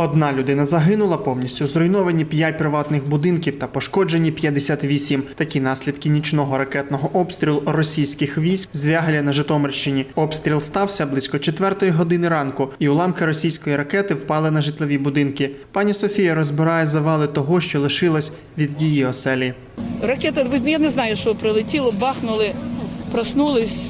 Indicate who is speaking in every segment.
Speaker 1: Одна людина загинула, повністю зруйновані 5 приватних будинків та пошкоджені 58. Такі наслідки нічного ракетного обстрілу російських військ з Звягеля на Житомирщині. Обстріл стався близько 4 години ранку, і уламки російської ракети впали на житлові будинки. Пані Софія розбирає завали того, що лишилось від її оселі.
Speaker 2: Ракета, я не знаю, що прилетіло, бахнули, проснулись,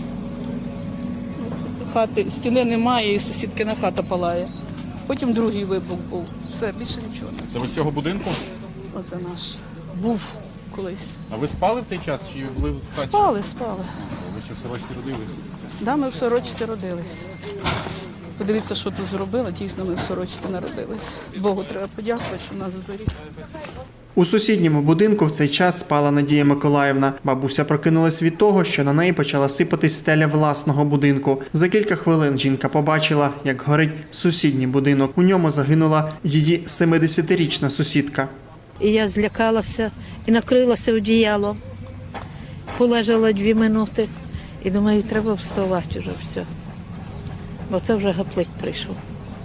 Speaker 2: хати, стіни немає і сусідкина хата палає. Потім другий вибух був. Все, більше нічого.
Speaker 3: Це ви з цього будинку?
Speaker 2: Оце наш. Був колись.
Speaker 3: А ви спали в цей час чи були в хаті?
Speaker 2: Спали.
Speaker 3: Ви ще в Сорочці родились?
Speaker 2: Да, ми в Сорочці родились. Подивіться, що тут зробили. Дійсно, ми в Сорочці народились. Богу треба подякувати, що нас зберіг.
Speaker 1: У сусідньому будинку в цей час спала Надія Миколаївна. Бабуся прокинулась від того, що на неї почала сипатись стеля власного будинку. За кілька хвилин жінка побачила, як горить сусідній будинок. У ньому загинула її 70-річна сусідка.
Speaker 4: І я злякалася і накрилася одіялом. Полежала 2 минути і думаю, треба вставати вже все. Бо це вже гаплик прийшов.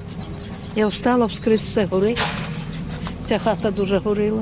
Speaker 4: Я встала, вскрізь все горить. Ця хата дуже горіла.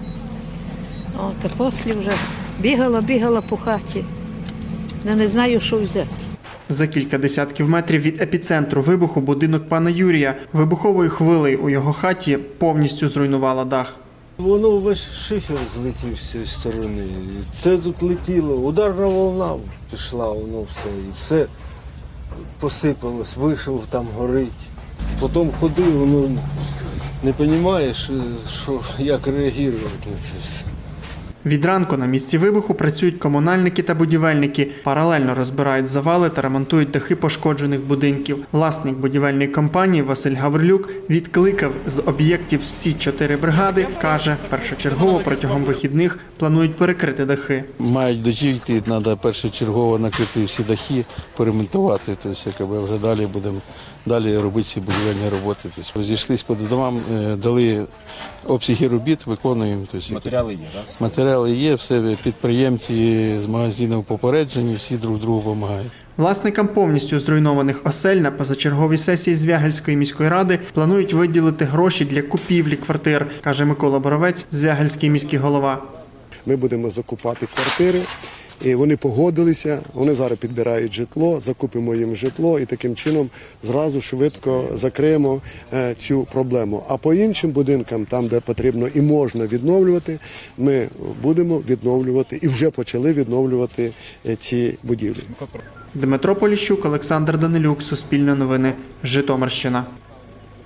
Speaker 4: От, а після вже бігала по хаті. Я не знаю, що взяти.
Speaker 1: За кілька десятків метрів від епіцентру вибуху будинок пана Юрія. Вибуховою хвилею у його хаті повністю зруйнувала дах.
Speaker 5: Воно весь шифер злетів з цієї сторони. Це тут летіло, ударна волна пішла, воно все. І все посипалось, вийшов, там горить. Потім ходив, воно не розумієш, як реагувати на це все.
Speaker 1: Від ранку на місці вибуху працюють комунальники та будівельники. Паралельно розбирають завали та ремонтують дахи пошкоджених будинків. Власник будівельної компанії Василь Гаврилюк відкликав з об'єктів всі 4 бригади. Каже, першочергово протягом вихідних планують перекрити дахи.
Speaker 6: Мають дочекати, треба першочергово накрити всі дахи, поремонтувати. Тобто, вже далі будемо робити ці будівельні роботи. Тобто, розійшлися по домам, дали обсяги робіт, виконуємо. Тобто,
Speaker 3: Матеріали є, так?
Speaker 6: Матеріали є, все підприємці з магазинів попереджені, всі друг другу допомагають.
Speaker 1: Власникам повністю зруйнованих осель на позачерговій сесії Звягельської міської ради планують виділити гроші для купівлі квартир, каже Микола Боровець, Звягельський міський голова.
Speaker 7: Ми будемо закупати квартири, і вони погодилися, вони зараз підбирають житло, закупимо їм житло і таким чином зразу швидко закриємо цю проблему. А по іншим будинкам, там де потрібно і можна відновлювати, ми будемо відновлювати і вже почали відновлювати ці будівлі.
Speaker 1: Дмитро Поліщук, Олександр Данилюк, Суспільне новини, Житомирщина.